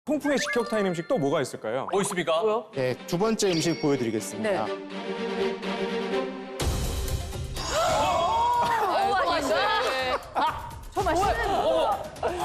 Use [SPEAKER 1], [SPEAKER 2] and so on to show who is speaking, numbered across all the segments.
[SPEAKER 1] 통풍의 직격탄 음식 또 뭐가 있을까요?
[SPEAKER 2] 뭐 있습니까?
[SPEAKER 3] 뭐요?
[SPEAKER 4] 네, 두 번째 음식 보여드리겠습니다.
[SPEAKER 3] 네. 저 맛있는 거.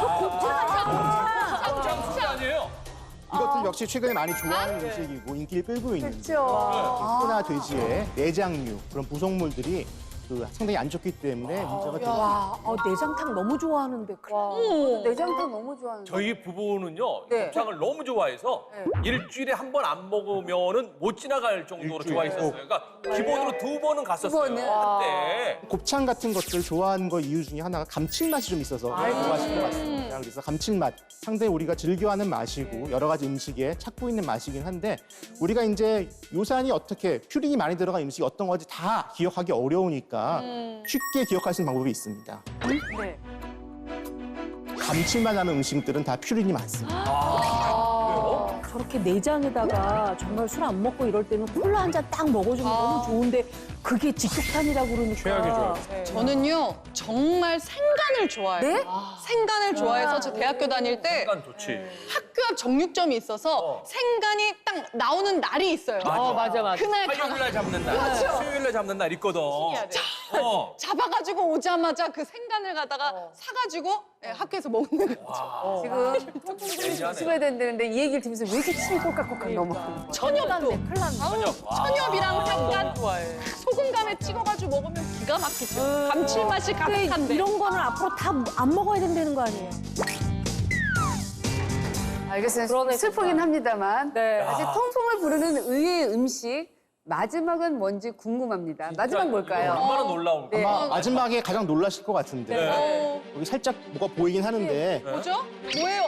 [SPEAKER 2] 곱창 아니에요?
[SPEAKER 4] 이것도 역시 최근에 많이 좋아하는 음식이고 인기를 끌고 있는데
[SPEAKER 3] 그렇죠.
[SPEAKER 4] 소나 돼지의 내장류 그런 부속물들이 상당히 안 좋기 때문에 문제가 되고
[SPEAKER 3] 와, 내장탕 너무 좋아하는데.
[SPEAKER 5] 내장탕 너무 좋아하는데.
[SPEAKER 2] 저희 부부는요,
[SPEAKER 3] 네.
[SPEAKER 2] 곱창을 너무 좋아해서 일주일에 한 번 안 먹으면은 못 지나갈 정도로
[SPEAKER 4] 일주일에
[SPEAKER 2] 좋아했었어요. 그러니까 기본으로 두 번은 갔었어요.
[SPEAKER 5] 번은?
[SPEAKER 2] 한때.
[SPEAKER 4] 곱창 같은 것들 좋아하는 거 이유 중에 하나가 감칠맛이 좀 있어서 좋아하시는 것 같습니다. 그래서 감칠맛 상당히 우리가 즐겨하는 맛이고 여러 가지 음식에 찾고 있는 맛이긴 한데 우리가 이제 요산이 어떻게 퓨린이 많이 들어간 음식이 어떤 건지 다 기억하기 어려우니까 쉽게 기억할 수 있는 방법이 있습니다.
[SPEAKER 3] 네.
[SPEAKER 4] 감칠맛 나는 음식들은 다 퓨린이 많습니다.
[SPEAKER 3] 저렇게 내장에다가 정말 술 안 먹고 이럴 때는 콜라 한 잔 딱 먹어주면 너무 좋은데 그게 직격탄이라고 그러니까.
[SPEAKER 1] 최악이죠.
[SPEAKER 6] 저는요 정말 생간을 좋아해요.
[SPEAKER 3] 네?
[SPEAKER 6] 생간을 좋아해서 저 대학교 다닐 때
[SPEAKER 2] 약간 좋지.
[SPEAKER 6] 학교 앞 정육점이 있어서 생간이 딱 나오는 날이 있어요.
[SPEAKER 2] 맞아.
[SPEAKER 3] 맞아.
[SPEAKER 6] 그날
[SPEAKER 2] 화요일 날 잡는 날, 수요일 날 잡는 날 있거든.
[SPEAKER 6] 잡아가지고 오자마자 그 생간을 갖다가 사가지고 학교에서 먹는 거.
[SPEAKER 5] 지금 통풍이 조심해야 된다는데 이 얘기를 들으면서 왜 이렇게 침이 꼴깍꼴깍 넘어가는 거야?
[SPEAKER 6] 천엽도 천엽이랑 생간
[SPEAKER 3] 좋아해.
[SPEAKER 6] 소금감에 찍어가지고 먹으면 기가 막히죠. 감칠맛이
[SPEAKER 3] 근데
[SPEAKER 6] 가득한데.
[SPEAKER 3] 이런 거는 앞으로 다 안 먹어야 된다는 거 아니에요?
[SPEAKER 5] 알겠어요.
[SPEAKER 3] 그러네,
[SPEAKER 5] 슬프긴
[SPEAKER 3] 진짜.
[SPEAKER 5] 합니다만
[SPEAKER 3] 네.
[SPEAKER 5] 아직 통풍을 부르는 의외의 음식 마지막은 뭔지 궁금합니다. 마지막 뭘까요?
[SPEAKER 2] 얼마나 놀라운
[SPEAKER 5] 네.
[SPEAKER 2] 거야.
[SPEAKER 4] 아마 마지막에 가장 놀라실 것 같은데
[SPEAKER 2] 네.
[SPEAKER 4] 여기 살짝 뭐가 보이긴 하는데
[SPEAKER 6] 뭐죠? 뭐예요?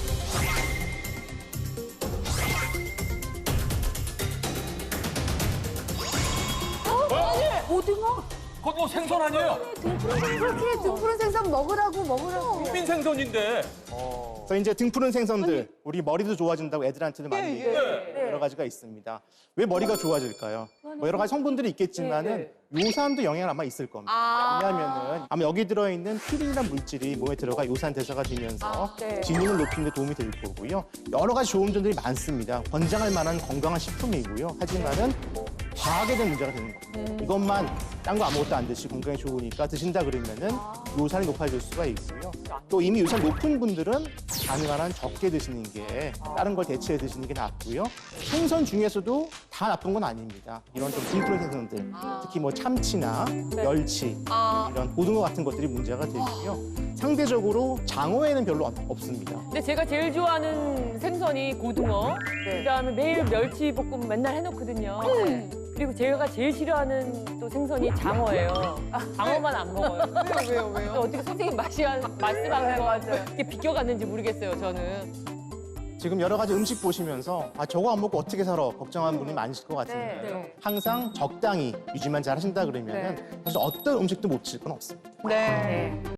[SPEAKER 3] 오징어?
[SPEAKER 2] 그거 뭐 생선 아니에요?
[SPEAKER 5] 그렇게 등푸른 생선 먹으라고.
[SPEAKER 2] 국민 생선인데.
[SPEAKER 4] 그래서 이제 등푸른 생선들 우리 머리도 좋아진다고 애들한테도 많이 얘기해요.
[SPEAKER 2] 네.
[SPEAKER 4] 여러 가지가 있습니다. 왜 머리가 좋아질까요? 뭐 여러 가지 성분들이 있겠지만은 요산도 영향을 아마 있을 겁니다. 왜냐하면은 아마 여기 들어있는 피린이라는 물질이 몸에 들어가 요산 대사가 되면서 기능을 높이는 데 도움이 될 거고요. 여러 가지 좋은 점들이 많습니다. 권장할 만한 건강한 식품이고요. 하지만은 과하게 된 문제가 되는 겁니다. 이것만 딴 거 아무것도 안 드시고 건강에 좋으니까 드신다 그러면은 요산이 높아질 수가 있고요. 또 이미 요산 높은 분들은 가능한 한 적게 드시는 게 다른 걸 대체해 드시는 게 낫고요. 생선 중에서도 다 나쁜 건 아닙니다. 이런 좀 등푸른 생선들, 특히 뭐 참치나 멸치, 이런 고등어 같은 것들이 문제가 되고요. 상대적으로 장어에는 별로 없습니다.
[SPEAKER 7] 근데 제가 제일 좋아하는 생선이 고등어, 그다음에 매일 멸치 볶음 맨날 해놓거든요. 그리고 제가 제일 싫어하는 또 생선이 장어예요. 장어만 안 먹어요. 왜요? 어떻게 선생님 말씀하는 거 이렇게 비껴갔는지 모르겠어요, 저는.
[SPEAKER 4] 지금 여러 가지 음식 보시면서 저거 안 먹고 어떻게 살아 걱정하는 분이 많으실 것 같은데 항상 적당히 유지만 잘 하신다 그러면은 사실 어떤 음식도 못 드실 건 없습니다.
[SPEAKER 6] 네.